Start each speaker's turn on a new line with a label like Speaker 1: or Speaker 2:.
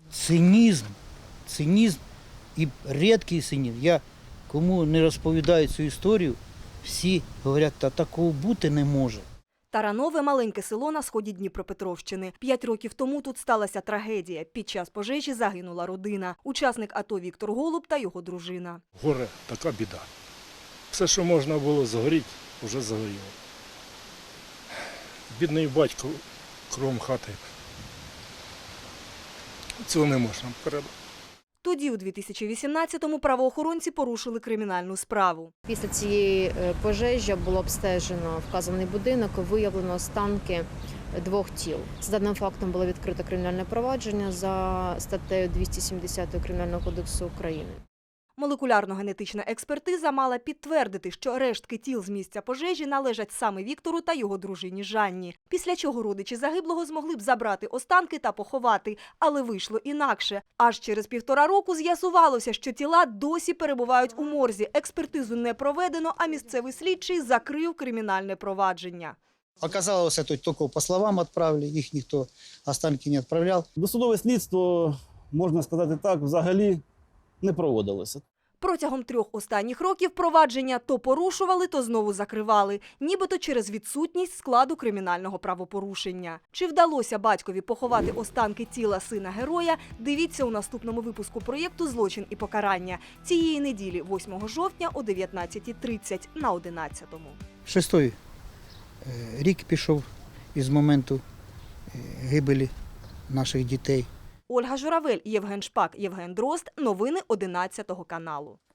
Speaker 1: Цинізм і рідкий цинізм. Я кому не розповідаю цю історію, всі говорять, та такого бути не може.
Speaker 2: Таранове – маленьке село на сході Дніпропетровщини. 5 років тому тут сталася трагедія. Під час пожежі загинула родина. Учасник АТО Віктор Голуб та його дружина.
Speaker 3: Горе – така біда. Все, що можна було згоріти, вже згоріло. Бідний батько кругом хати. Цього не можна передати.
Speaker 2: Тоді, у 2018-му, правоохоронці порушили кримінальну справу.
Speaker 4: Після цієї пожежі було обстежено вказаний будинок, виявлено останки 2 тіл. За даним фактом було відкрито кримінальне провадження за статтею 270 Кримінального кодексу України.
Speaker 2: Молекулярно-генетична експертиза мала підтвердити, що рештки тіл з місця пожежі належать саме Віктору та його дружині Жанні. Після чого родичі загиблого змогли б забрати останки та поховати. Але вийшло інакше. Аж через 1,5 року з'ясувалося, що тіла досі перебувають у морзі. Експертизу не проведено, а місцевий слідчий закрив кримінальне провадження.
Speaker 1: Оказалось, это только по словам отправили, их никто останки не отправлял.
Speaker 5: Досудове слідство, можна сказати так, взагалі не проводилося.
Speaker 2: Протягом 3 останніх років провадження то порушували, то знову закривали. Нібито через відсутність складу кримінального правопорушення. Чи вдалося батькові поховати останки тіла сина героя, дивіться у наступному випуску проєкту «Злочин і покарання». Цієї неділі, 8 жовтня о 19:30 на 11-му.
Speaker 1: 6-й рік пішов із моменту гибелі наших дітей.
Speaker 2: Ольга Журавель, Євген Шпак, Євген Дрозд. Новини 11 каналу.